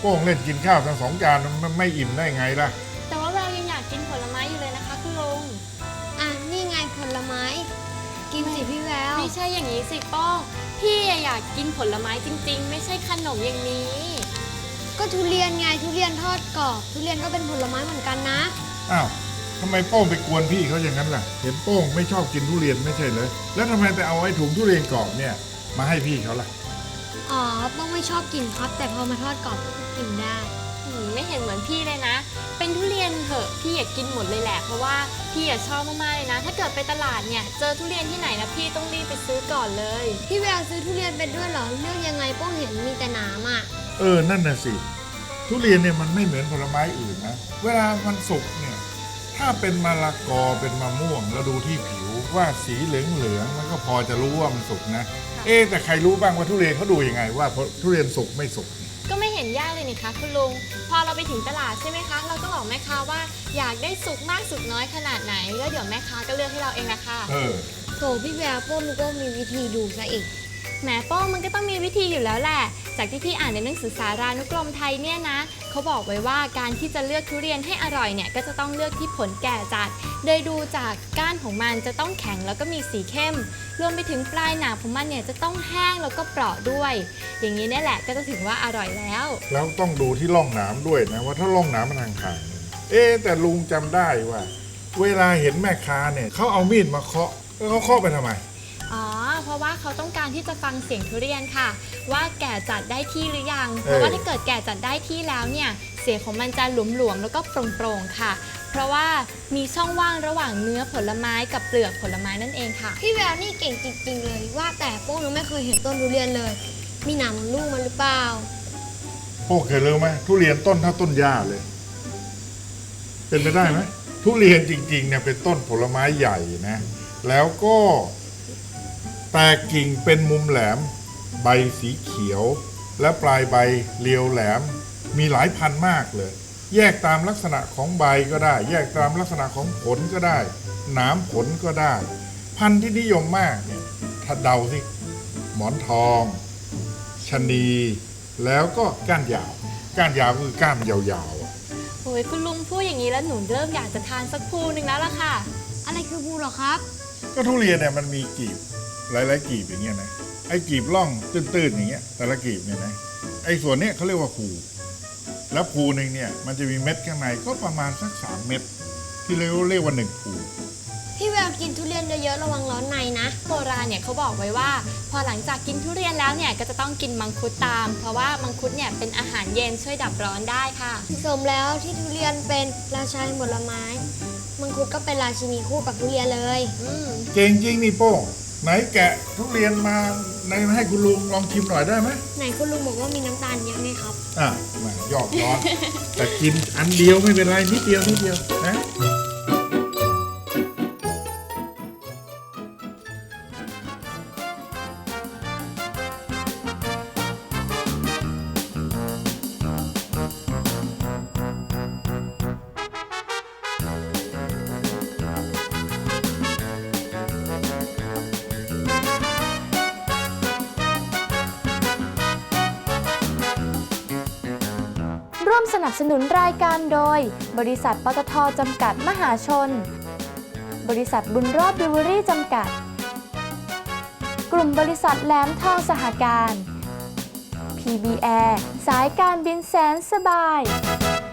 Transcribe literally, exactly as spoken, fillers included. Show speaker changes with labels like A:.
A: ป้งเล่นกินข้าวทั้งสองจานมันไม่อิ่มได้ไงล่ะ
B: แต่ว่าเรายังอยากกินผลไม้อยู่เลยนะคะคุณลุง
C: อ่ะนี่ไงผลไม้ กินสิพี่แวว
B: ไม่ใช่อย่างนี้สิป้องพี่อยากกินผลไม้จริงๆไม่ใช่ขนมอย่างนี้
C: ก็ทุเรียนไงทุเรียนทอดกรอบทุเรียนก็เป็นผลไม้เหมือนกันนะ
A: อ้าวทำไมโป้งไปกวนพี่เขาอย่างนั้นล่ะเห็นโป้งไม่ชอบกินทุเรียนไม่ใช่เลยแล้วทำไมไปเอาไอ้ถุงทุเรียนกรอบเนี่ยมาให้พี่เขาล่ะ
C: อ๋อป้องไม่ชอบกินครับแต่พอมาทอดกรอบก็กินได้
B: ไม่เห็นเหมือนพี่เลยนะเป็นทุเรียนเถอะพี่อยากกินหมดเลยแหละเพราะว่าพี่อยากชอบมากๆเลยนะถ้าเกิดไปตลาดเนี่ยเจอทุเรียนที่ไหนนะพี่ต้องรีบไปซื้อก่อนเลย
C: พี่แววซื้อทุเรียนเป็นด้วยเหรอเลือกยังไงป้องเห็นมีแต่หนามอ่ะ
A: เออนั่นน่ะสิทุเรียนเนี่ยมันไม่เหมือนผลไม้อื่นนะเวลามันสุกเนี่ยถ้าเป็นมะละกอเป็นมะม่วงแล้วดูที่ผิวว่าสีเหลืองๆมันก็พอจะรู้ว่ามันสุกนะเอ๊แต่ใครรู้บ้างว่าทุเรียนเขาดูยังไงว่าทุเรียนสุกไม่สุก
B: ก็ไม่เห็นยากเลยนี่คะคุณลุงพอเราไปถึงตลาดใช่ไหมคะเราก็บอกแม่ค้าว่าอยากได้สุกมากสุกน้อยขนาดไหนแล้วเดี๋ยวแม่ค้าก็เลือกให้เราเองนะคะ
A: เออ
C: โถพี่แววป้องนึกว่ามีวิธีดูซะอีก
B: แหมป้องมันก็ต้องมีวิธีอยู่แล้วแหละจากที่พี่อ่านในหนังสือสารานุกรมไทยเนี่ยนะเขาบอกไว้ว่าการที่จะเลือกทุเรียนให้อร่อยเนี่ยก็จะต้องเลือกที่ผลแก่จัดโดยดูจากก้านของมันจะต้องแข็งแล้วก็มีสีเข้มรวมไปถึงปลายหนามของมันเนี่ยจะต้องแห้งแล้วก็เปราะด้วยอย่างนี้เนี่ยแหละก็จะถึงว่าอร่อยแล้ว
A: แล้วต้องดูที่ร่องหนามด้วยนะว่าถ้าร่องหนามมันห่างๆเอ๊แต่ลุงจำได้ว่าเวลาเห็นแม่ค้าเนี่ยเขาเอามีดมาเคาะแล้วเขาเคาะไปทำไม
B: อ๋อเพราะว่าเขาต้องการที่จะฟังเสียงทุเรียนค่ะว่าแก่จัดได้ที่หรือยังเพราะว่าถ้าเกิดแก่จัดได้ที่แล้วเนี่ยเสียงของมันจะหลวมๆแล้วก็โปร่งๆค่ะเพราะว่ามีช่องว่างระหว่างเนื้อผลไม้กับเปลือกผลไม้นั่นเองค่ะ
C: พี่แววนี่เก่งจริงๆเลยว่าแต่โป้งยังไม่เคยเห็นต้นทุเรียนเลยมีหนามลูกมันหรือเปล่า
A: โป้งเคยรู้ไหมทุเรียนต้นเท่าต้นหญ้าเลยเป็นไปได้ไหมทุเรียนจริงๆเนี่ยเป็นต้นผลไม้ใหญ่นะแล้วก็แตกกิ่งเป็นมุมแหลมใบสีเขียวและปลายใบเรียวแหลมมีหลายพันมากเลยแยกตามลักษณะของใบก็ได้แยกตามลักษณะของผลก็ได้หนามผลก็ได้พันธุ์ที่นิยมมากเนี่ยถ้าเดาสิหมอนทองชะนีแล้วก็ก้านยาวก้านยาวคือก้านยาว
B: ๆโอ้ยคุณลุงพูดอย่างนี้แล้วหนูเริ่มอยากจะทานสักภูหนึ่งแล้วล่ะค่ะ
C: อะไรคือภูหรอครับ
A: ก็ทุเรียนเนี่ยมันมีกีบหลายๆกีบอย่างเงี้ยนะไอ้กีบร่องตื้นๆอย่างเงี้ยแต่ละกีบเนี่ยนะไอ้ส่วนเนี้ยเขาเรียกว่าภูแล้วภูหนึ่งเนี่ยมันจะมีเม็ดข้างในก็ประมาณสักสามเม็ดที่เรียกเรียกว่าหนึ่งภู
C: พี่แววกินทุเรียนเยอะๆระวังร้อนในนะ
B: โบราณเนี่ยเขาบอกไว้ว่าพอหลังจากกินทุเรียนแล้วเนี่ยก็จะต้องกินมังคุดตามเพราะว่ามังคุดเนี่ยเป็นอาหารเย็นช่วยดับร้อนได้ค่ะ
C: สมแล้วที่ทุเรียนเป็นราชาแห่งผลไม้มังคุดก็เป็นราชินีคู่กับทุเรียนเลย
A: เก่งจริงนี่โป้ไหนแกะทุเรียนมาในให้คุณลุงลองชิมหน่อยได้ไหม
C: ไหนคุณลุงบอกว่ามีน้ำตาลเยอะไหมครับ
A: อ่ะมายอกร้อนแต่กินอันเดียวไม่เป็นไรนิดเดียวนิดเดียวนะ
D: ร่วมสนับสนุนรายการโดยบริษัทปตท.จำกัดมหาชนบริษัทบุญรอดบิวเวอรี่จำกัดกลุ่มบริษัทแหลมทองสหการ พี บี แอร์ สายการบินแสนสบาย